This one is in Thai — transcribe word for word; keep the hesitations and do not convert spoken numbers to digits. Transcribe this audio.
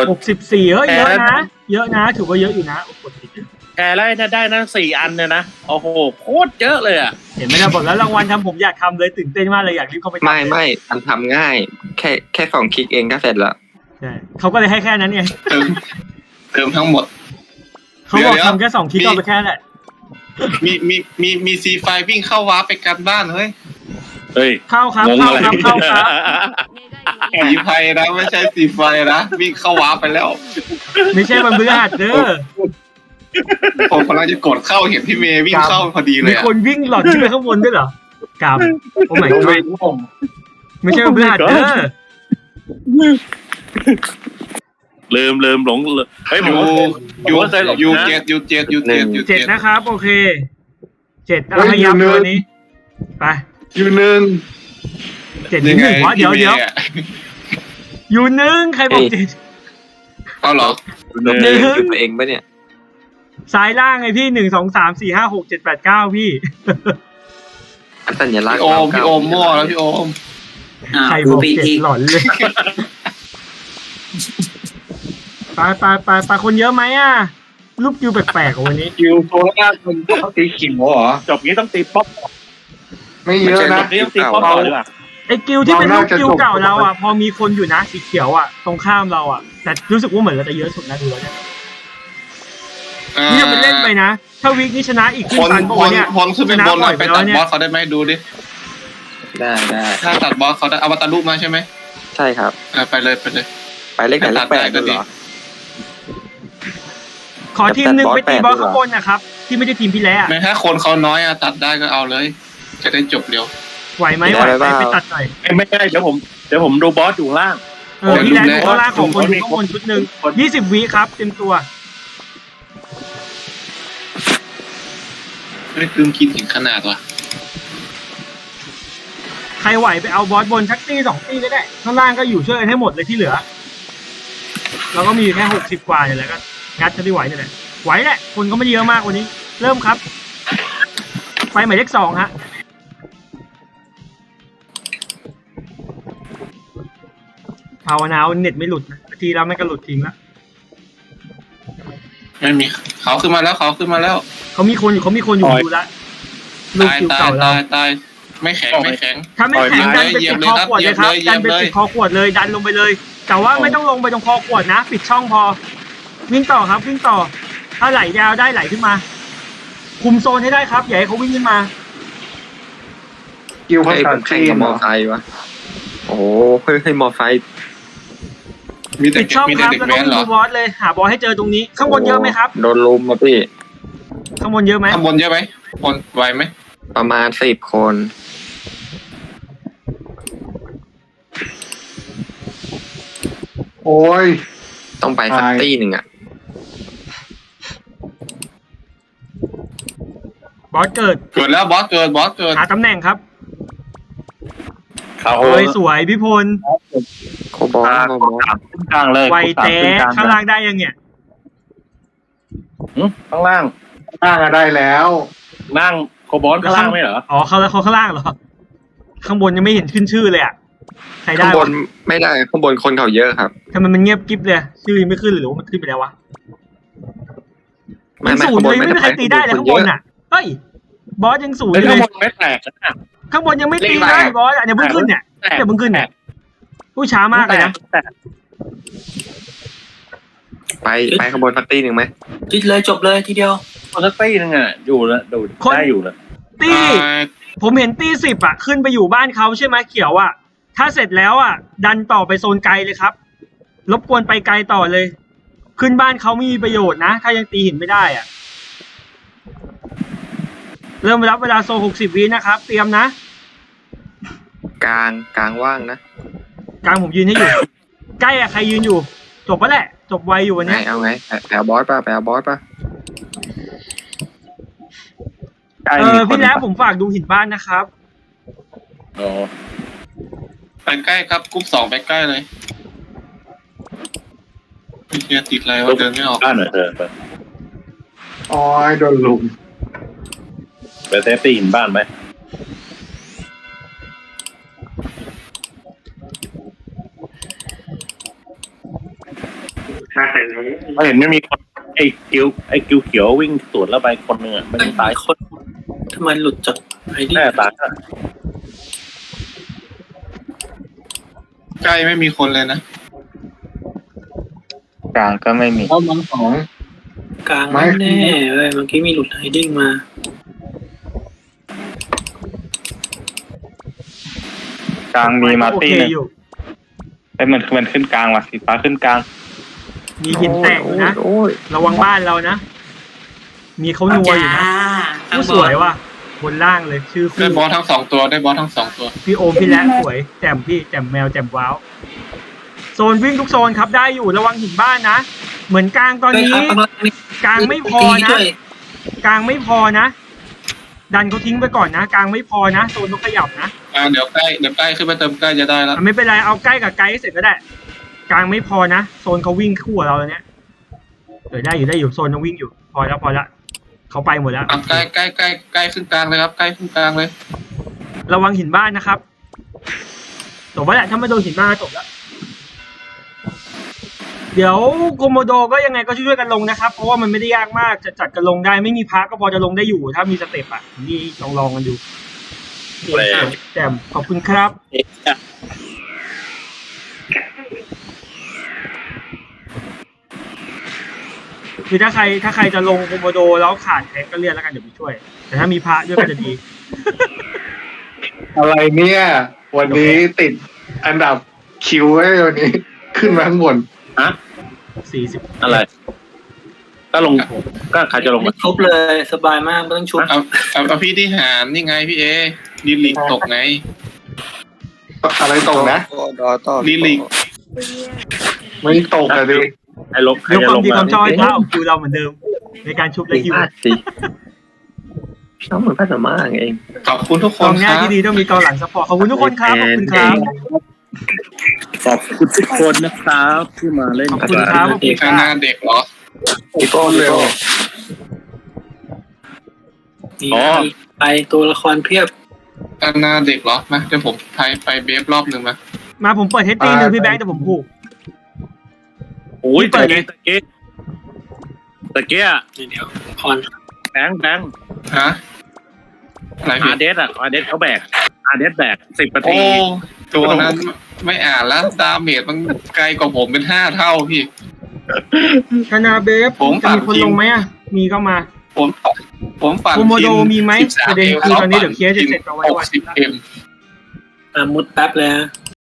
หกสิบสี่เฮ้ยเยอะนะเยอะนะถือว่าเยอะอยู่นะกดผิดแกไล่ถ้าได้นั่นสี่อันเนี่ยนะโอ้โหโคตรเยอะเลยอ่ะเห็นไหมนะบอกแล้วรางวัลทำผมอยากทำเลยตื่นเต้นมากเลยอยากรีบเข้าไปไม่ไม่มันทำง่ายแค่แค่สองคลิกเองก็เสร็จแล้วใช่เขาก็เลยให้แค่นั้นไงเติมเติมทั้งหมดเขาบอกทำแค่สองคลิกก็ไปแค่นั้นแหละมีมีมีมีซีไฟวิ่งเข้าวาร์ปไปกันบ้านเฮ้ยเฮ้ยเข้าครับเข้าครับเข้าครับซีไฟนะไม่ใช่ซีไฟนะวิ่งเข้าวาร์ปไปแล้วไม่ใช่มันเบื่อหัดเด้อผมกำลังจะกดเข้าเห็นพี่เมย์วิ่งเข้าพอดีเลยมีคนวิ่งหลอดขึ้นไปข้างบนด้วยเหรอกราบโอ้ไม่ไม่ใช่มันเบื่อหัดเด้อลืมลืมหลงเฮ้ยผมยูยูเจ็ดยูเจ็ดยูเจ็ดยูเจ็ดนะครับโอเคเจ็ดพยายามตัวนี้ไปยูหนึ่งเจ็ดหนึ่งวะเดี๋ยวเดี๋ยวยูหนึ่งใครบอกเจ็ดเอาเหรอหนึ่งตัวเองปะเนี่ยซ้ายล่างไงพี่หนึ่งสองสามสี่ห้าหกเจ็ดแปดเก้าพี่สัญลักษณ์พี่โอมพี่โอมมั่วแล้วพี่โอมใครบอกเจ็ดหลอนเลยไปไปไปไปคนเยอะไหมอ่ะรูปคิวแปลกๆวันนี้คิวโซล่าคนต้องตีขิมเหรอจบนี้ต้องตีป๊อปไม่เยอะนะจบนี้ต้องตีป๊อปต่อดีกว่าไอ้กิวที่เป็นรูปกิวเก่าเราอ่ะพอมีคนอยู่นะสีเขียวอ่ะตรงข้ามเราอ่ะแต่รู้สึกว่าเหมือนเราจะเยอะสุดนะดูแล้วเนี่ยนี่จะเป็นเล่นไปนะถ้าวิกนี้ชนะอีกขึ้นตันตัวเนี่ยคนขึ้นเป็นบอลไปตัดบอสเขาได้ไหมดูดิได้ได้ถ้าตัดบอสเขาได้เอามาตัดรูปมาใช่ไหมใช่ครับไปเลยไปเลยไปเลขไหนเลขแปดก็ดีขอทีมหนึ่งไปตีบอสข้างบนนะครับที่ไม่ได้ทีมพี่แล้วไม่ถ้าคนเขาน้อยอะตัดได้ก็เอาเลยจะได้จบเร็วไหวไหมไหวไหมไปตัดหน่อยไม่ได้เดี๋ยวผมเดี๋ยวผมดูบอสอยู่ล่างเออพี่แลนด์อยู่ข้างล่างของคนอยู่ข้างบนชุดหนึ่งยี่สิบวิครับเต็มตัวไม่คืมคิดถึงขนาดวะใครไหวไปเอาบอสบนชักตีสองตีก็ได้ข้างล่างก็อยู่ช่วยกันให้หมดเลยที่เหลือเราก็มีแค่หกสิบกว่าเนี่ยแหละก็งัดจะได้ไหวเนี่ยแหละไหวแหละคนก็ไม่เยอะมากวันนี้เริ่มครับไปหมายเลขสองฮะภาวนาเน็ตไม่หลุดนะทีแล้วไม่ก็หลุดทิ้งแล้วไม่มีเขาขึ้นมาแล้วเขาขึ้นมาแล้วเขามีคนอยู่เขามีคนอยู่ดูแลลูกคิวเก่าเราตายไม่แข็งไม่แข็งถ้าไม่แข็งดันไปปิดคอขวดเลยครับดันไปปิดคอขวดเลยดันลงไปเลยแต่ว่าไม่ต้องลงไปตรงคอขวดนะปิดช่องพอวิ่งต่อครับวิ่งต่อถ้าไหลยาวได้ไหลขึ้นมาคุมโซนให้ได้ครับอย่าให้เขาวิ่งขึ้นมาคิวเขาใครกับมอไซค์วะโอ้โหเฮ้ยมอไซค์ปิดช่องครับแล้วก็ดูบอสเลยหาบอสให้เจอตรงนี้ข้างบนเยอะไหมครับโดนลุมมาพี่ข้างบนเยอะไหมข้างบนเยอะไหมคนไหวไหมประมาณสิบคนโอ้ยต้องไปสักตีหนึ่งอ่ะบอสเกิดเกิดแล้วบอสเกิดบอสเกิดหาตำแหน่งครับเขาสวยพี่พลโคบอลโคบอลกลางเลยไวเตะข้างล่างได้ยังเนี่ยข้างล่างข้างล่างได้แล้วล่างโคบอลข้างล่างไม่เหรออ๋อเขาแล้วเขาข้างล่างเหรอข้างบนยังไม่เห็นขึ้นชื่อเลยอ่ะใครได้ข้างบนไม่ได้ข้างบนคนเขาเยอะครับทำไมมันเงียบกิ๊บเลยชื่อยังไม่ขึ้นหรือว่ามันขึ้นไปแล้ววะมันศูนย์เลยไม่มีใครตีได้เลยข้างบนอ่ะเฮ้ยบอสยังศูนย์เลยข้างบนไม่แตกข้างบนยังไม่ตีเลยบอสอย่าเพิ่งขึ้นเนี่ยอย่าเพิ่งขึ้นเนี่ยผู้ช้ามากเลยนะไปไปข้างบนสักตีหนึ่งไหมจิตเลยจบเลยทีเดียวสักตีหนึ่งอ่ะอยู่แล้วดูได้อยู่แล้วตีผมเห็นตีสิบอ่ะขึ้นไปอยู่บ้านเขาใช่ไหมเขียวอ่ะถ้าเสร็จแล้วอ่ะดันต่อไปโซนไกลเลยครับรบกวนไปไกลต่อเลยขึ้นบ้านเขาไม่มีประโยชน์นะถ้ายังตีหินไม่ได้อ่ะเริ่มรับเวลาโซหกสิบวินะครับเตรียมนะกลางกลางว่างนะกลางผมยืนให้อยู่ใกล้อะใครยืนอยู่จบปะแหละจบไวอยู่วันนี้เอาไงแปลบอสป่ะแปลบอสป่ะเออพี่แล้วผมฝากดูหินบ้านนะครับอ๋อไปใกล้ครับกรุ๊ปสองไปใกล้เลยพี่เชียติดอะไรวะเดินไม่ออกบ้านหน่อยเดินไปอ๋อโดนลุมไปเซฟตี้หินบ้านไหมเห็นไม่มีคนไอ้กิ้วไอ้กิ้วเขียววิ่งสวนแล้วไปคนหนึ่งอ่ะไม่ได้ตายคนทำไมหลุดจากไอ้นี่แน่ตายใกล้ไม่มีคนเลยนะกลางก็ไม่มีเอามังสองกลางไม่แน่เว้ยเมื่อกี้มีหลุดไฮดิ้งมากลางมีมาโอตี้เคหนึ่งอยู่ไอ้ยมันมันขึ้นกลางว่ะสีฟ้าขึ้นกลางมีหินแตกอยู่นะโอ้ยระวังบ้านเรานะ มีเขานัวอยู่นะผู้สวยว่ะบนล่างเลยชื่อได้คู่บอสทั้งสองตัวได้บอสทั้งสองตัวพี่โอมพี่แลนสวยแจ่มพี่แจ่มแมวแจ่มว้าวโซนวิ่งทุกโซนครับได้อยู่ระวังหินบ้านนะ เหมือนกลางตอนนี้ กลางไม่พอนะ กลางไม่พอนะ ดันเขาทิ้งไปก่อนนะ กลางไม่พอนะโซนต้องขยับนะอ่าเดี๋ยวใกล้เดี๋ยวใกล้ขึ้นไปเติมใกล้จะได้แล้วอ่ะไม่เป็นไรเอาใกล้กับไกด์เสร็จก็ได้ กลางไม่พอนะโซนเขาวิ่งคู่กับเราแล้วเนี่ยเออได้อยู่ได้อยู่โซนยังวิ่งอยู่ พอแล้วพอแล้วเขาไปหมดแล้วอ่ะใกล้ใกล้ใกล้ใกล้ขึ้นกลางเลยครับใกล้ขึ้นกลางเลยระวังหินบ้านนะครับจบแล้วแหละถ้าไม่โดนหินบ้านก็จบแล้ว เดี๋ยวโกโมโดก็ยังไงก็ช่วยๆกันลงนะครับ เพราะว่ามันไม่ได้ยากมากจะจัดกันลงได้ไม่มีพักก็พอจะลงได้อยู่ ถ้ามีสเต็ปอ่ะนี่ลองลองๆกันดูแจ่มขอบคุณครับ คือถ้าใครถ้าใครจะลงโกโมโดแล้วขาดแท็กก็เรียกแล้วกันเดี๋ยวไปช่วย แต่ถ้ามีพระด้วยก็จะดีอะไรเนี่ย วันนี้ติดอันดับคิวไว้วันนี้ ขึ้นมาข้างบนฮะสี่สิบอะไร ก็ลงก็ใครจะลงไม่ชุบเลยสบายมากไม่ต้องชุบเอาเอาเอาพี่ที่หารนี่ไงพี่เอดีลิกตกไงอะไรตกนะดีลิกไม่ตกอะดิไอ้ลงใครยกจะความลงดีความชอบให้มาพระของคิวเราเหมือนเดิม ในการชุบและคิวสิน้องเหมือนพัฒนาเองขอบคุณทุกคกอน งหคน้ารับที่ดีต้องมีกองหลังซัพพอร์ตขอบคุณทุกคนครับขอบคุณครับขอบคุณทุกคนนะครับที่มาเล่นขอบคุณครับขอบคุณคข้ารังหน้าบเด็กเหรออีกต้นเร็วนี่ไปตัวละครเพียบข้างหน้าเด็กเหรอมาเดี๋ยวผมไปไปเบฟรอบหนึ่งมามาผมเปิดเฮดตีหนึ่งพี่แบงค์แต่ผมผูกโอ้ยเปิตะดเลยเกียตะเกียเดี๋ยวพรแบงค์แบงค์ฮะอะไรอาพี่เดสอ่ะอาเดสเขาแบกอาเดสแบกสิบนาโอ้ทีตัวนั้นไม่อ่านแล้วดาเมจมันไกลกว่าผมเป็นห้าเท่าพี่คานาเบฟผมจะมีคนลงไหมอ่ะมีก็มาผมผมปั่นโคโมโดทีมีไหมสิบสาประเด็นคือตอนนี้เดี๋ยวเคลียร์จะเสร็จเอาไว้หกวันสิบเอ็มอ่ะมุดแป๊บเลยนะ